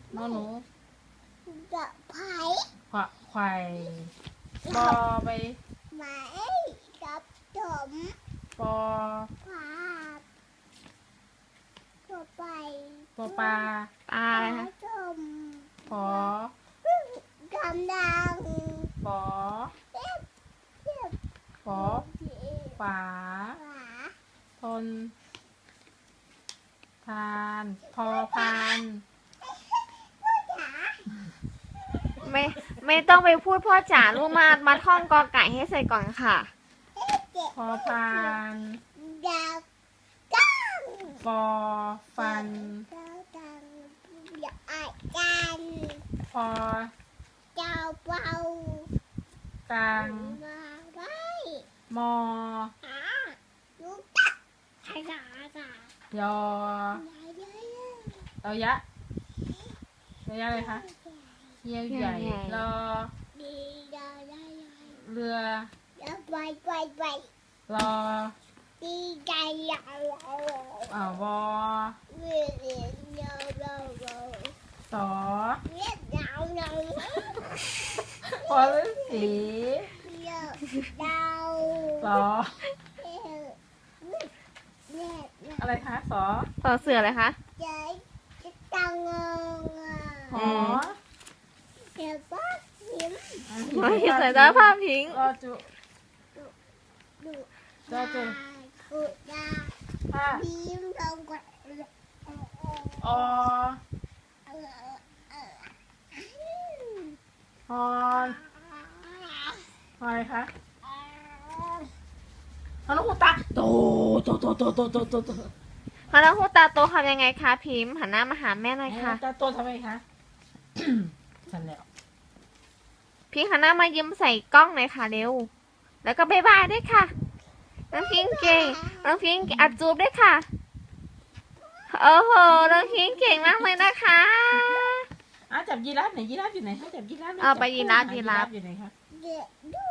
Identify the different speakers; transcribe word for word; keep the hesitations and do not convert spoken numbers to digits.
Speaker 1: นอหนู
Speaker 2: จะไผ่
Speaker 1: ขวะไข่ปอไป
Speaker 2: ไม้กับถม
Speaker 1: ปอ
Speaker 2: ผาทั่วไป
Speaker 1: ปอปลา
Speaker 3: ปลาอะไรคะ
Speaker 2: ถม
Speaker 1: ปอ
Speaker 2: กำลัง
Speaker 1: ปอ
Speaker 2: เทียบเทียบ
Speaker 1: ปอฝา
Speaker 2: ฝา
Speaker 1: ทนทานพอพาน
Speaker 2: จ๋า
Speaker 3: ไม่ไม่ต้องไปพูดพ่อจ๋าลูกมามาท่องกอไก่ให้เสร็จก่อนค่ะ
Speaker 2: เจ็บ
Speaker 1: พอพาน
Speaker 2: ดาวกัง
Speaker 1: ฟอฟัน
Speaker 2: ดาวกังอย่าอาจัน
Speaker 1: พอ
Speaker 2: เจ้าเป่าก
Speaker 1: ลาง
Speaker 2: มาได้
Speaker 1: มอ
Speaker 2: อ่าลูกตักใครจ๋าจ๋าย
Speaker 1: อ
Speaker 2: ใหญ่ใหญ่
Speaker 1: เรายะเรายะอะไรคะเยี่ยวใหญ่
Speaker 3: ใหญ่
Speaker 1: รอ
Speaker 2: ดีใหญ่ใหญ่ใหญ่
Speaker 1: เรือ
Speaker 2: อย่าไปไปไป
Speaker 1: รอ
Speaker 2: ดีใจใหญ่
Speaker 1: อ่าวอ
Speaker 2: เวียนเวียนเยาเยาเยา
Speaker 1: สอ
Speaker 2: เวียนยาวเยา
Speaker 1: พอฤาษี
Speaker 2: เยาดาว
Speaker 1: สอ
Speaker 2: เออเนี่ยเนี่ย
Speaker 1: อะไรคะสอ
Speaker 3: ต่อเสืออะไรคะ
Speaker 2: ใจจะตังงอ่ะ
Speaker 1: หอ
Speaker 2: เดี๋ยวป้าพิมพ์
Speaker 3: ไม่ใส่ตาภาพพิงค์
Speaker 1: รอจุ
Speaker 2: ดู
Speaker 1: จอจุ
Speaker 2: กุดา
Speaker 1: ห้า
Speaker 2: พิมพ์ลงกว่า
Speaker 1: ออ
Speaker 2: เออเออ
Speaker 1: ฮอนอะไรคะฮอนหูตาโตโตโตโตโตโตโตโต
Speaker 3: พนักหูตาโตทำยังไงคะพิมพ์หันหน้ามาหาแม่หน่อยค่ะ
Speaker 1: ตาโตทำไมคะ ฉันแล้ว
Speaker 3: พิงค์หันหน้ามายิ้มใส่กล้องหน่อยค่ะเร็ว แล้วก็บายบายด้วยค่ะ น้องพิงค์เก่ง น้องพิงค์อัดจูบด้วยค่ะ โอ้โห น้องพิงค์เก่งมากเลยนะคะ
Speaker 1: อ่ะจับยีราฟไหนยีราฟอยู่ไหนคะจับยีราฟหน่อย
Speaker 3: เอาไป
Speaker 1: จับ
Speaker 3: ยีราฟ
Speaker 1: ห
Speaker 3: ยีราฟ
Speaker 1: อยู่ไหนคะ
Speaker 2: เดี๋ยวดู